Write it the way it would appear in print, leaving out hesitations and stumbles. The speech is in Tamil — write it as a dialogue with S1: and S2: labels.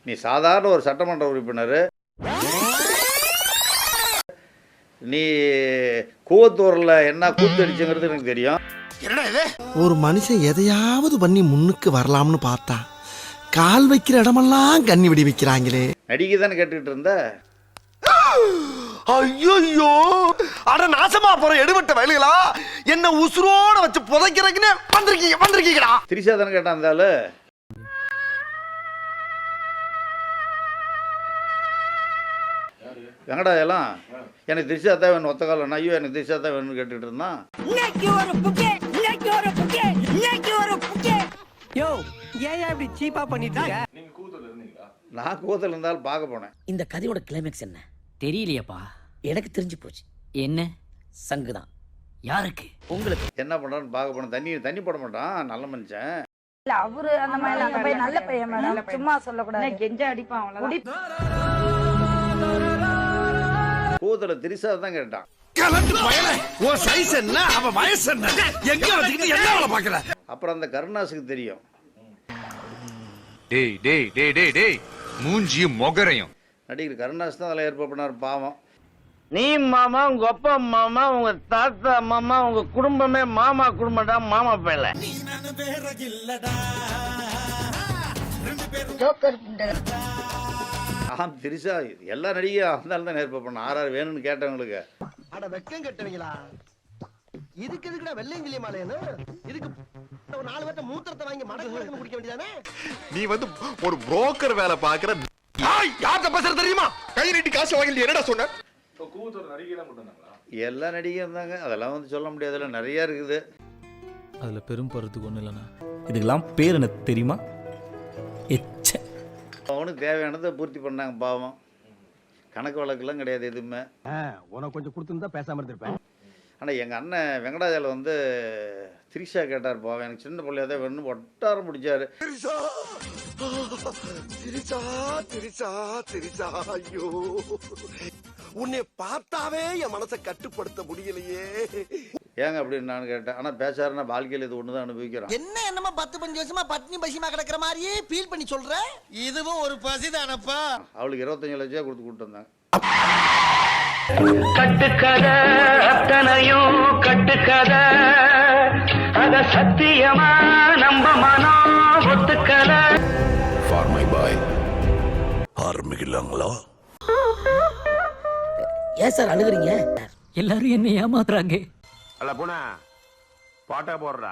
S1: நீ சாதாரண ஒரு சட்டமன்ற உறுப்பினர், நீ கூவத்தூரில் என்ன கூத்தடிச்சுங்கிறது எனக்கு தெரியும்.
S2: ஒரு மனுஷன் எதையாவது பண்ணி முன்னுக்கு வரலாம்னு பார்த்தா கால் வைக்கிற இடமெல்லாம் கண்ணி விடி வைக்கிறாங்களே.
S1: நடிகை தானே கேட்டுக்கிட்டு இருந்த.
S2: ஐயோ அட நாசமா போற எடுபட்ட வயலுகளா, என்ன உசுரோட வச்சு புதைக்கிறதுக்குன்னு வந்திருக்கீங்கடா.
S1: திரிஷா தானே கேட்டான் அந்த ஆளு. வெங்கடாயெல்லாம் எனக்கு திரிஷா தான் வேணும் ஒத்த காலம், ஐயோ எனக்கு திரிஷா தான் வேணும்னு கேட்டுட்டு இருந்தான். நான் கூவத்தில் இருந்தாலும் பார்க்க போனேன்.
S3: இந்த கதையோட கிளைமேக்ஸ் என்ன தெரியலையப்பா. எனக்கு தெரிஞ்சு போச்சு. என்ன சங்குதான். யாருக்கு? உங்களுக்கு.
S1: என்ன பண்றான்னு பார்க்க போனேன். தண்ணி போட மாட்டான், நல்ல மனுஷன்.
S4: அவரு அந்த மாதிரி நல்ல பையன் மேடம், சும்மா சொல்லக்கூடாது. கெஞ்ச அடிப்பான் அவ்வளவுதான்.
S1: கூவத்தில் திரிஷா தான் கேட்டான். அப்புறம் அந்த கருணாஸுக்கு தெரியும்.
S5: மூஞ்சியும் மொகரையும்
S1: நடிகர் கருணாஸ் தான் அதில் ஏற்பாடு பண்ணார். பாவம்.
S6: நீ மாமா, உங்க அப்பா மாமா, உங்க தாத்தா மாமா, உங்க குடும்பமே மாமா குடும்பம்டா. மாமா பேல
S1: திரிஷா எல்லா நடிகையும் அந்த தான் ஏற்பாடு பண்ண. ஆர்ஆர் வேணும்னு கேட்டவங்களுக்கு.
S2: அட வெக்கம் கட்டுவீங்களா, இதுக்கு எதுக்குடா வெள்ளையங்கிலி மாலையன்னு? இதுக்கு ஒரு 4 பேர்ட்ட மூத்திரத்தை வாங்கி மடக்கு குடிக்க வேண்டியதானே?
S7: நீ வந்து ஒரு புரோக்கர் வேலை பாக்குற. யார்கிட்ட பேசுற தெரியுமா? கை நீட்டி காசு வாங்கி என்னடா சொன்ன?
S1: எல்லா நடிகையும் இருந்தாங்க. அதெல்லாம் வந்து சொல்ல முடியாதுல, நிறைய இருக்குது.
S8: அதுல பெரும் போறதுக்கு ஒண்ணு இல்லைண்ணா.
S9: இதுக்கெல்லாம் பேர் என்ன தெரியுமா? எச்ச.
S1: அவனுக்கு தேவையானதை பூர்த்தி பண்ணாங்க. பாவம். கணக்கு வழக்கெல்லாம் கிடையாது எதுவுமே.
S2: உனக்கு கொஞ்சம் கொடுத்துருந்தா பேசாம இருந்திருப்பேன்.
S1: ஆனால் எங்கள் அண்ணன் வெங்கடாஜால வந்து திரிஷா கேட்டார். பாவம், எனக்கு சின்ன பிள்ளையா தான் வேணும்னு ஒட்டாரம் பிடிச்சாரு.
S2: ஐயோ, உன்னை பார்த்தாவே என் மனசை கட்டுப்படுத்த முடியலையே.
S1: ஏங்க அப்படின்னு நான் கேட்டேன். ஆனால் பேசாருன்னா வாழ்க்கையில் இது ஒன்று தான் அனுபவிக்கிறோம்.
S2: என்ன என்னமா 10-15 வருஷமா பட்னி பசிமா கிடக்கிற மாதிரியே ஃபீல் பண்ணி சொல்ற? இதுவும் ஒரு பசிதானப்பா.
S1: அவளுக்கு 25 லட்சம் கொடுத்து கூப்பிட்டு வந்தாங்க.
S6: கட்டுக்கதை அத்தனையும் கட்டுக்கதை, அத சத்தியமா நம்ப மனம் ஒத்துக்கலை.
S7: ஃபார் மை பாய் ஆரம்பிக்கலாங்களா?
S3: ஏன் சார் அழுகுறீங்க?
S9: எல்லாரும் என்ன ஏமாத்துறாங்க.
S6: அல்ல போனா பாட்டா போடுறா.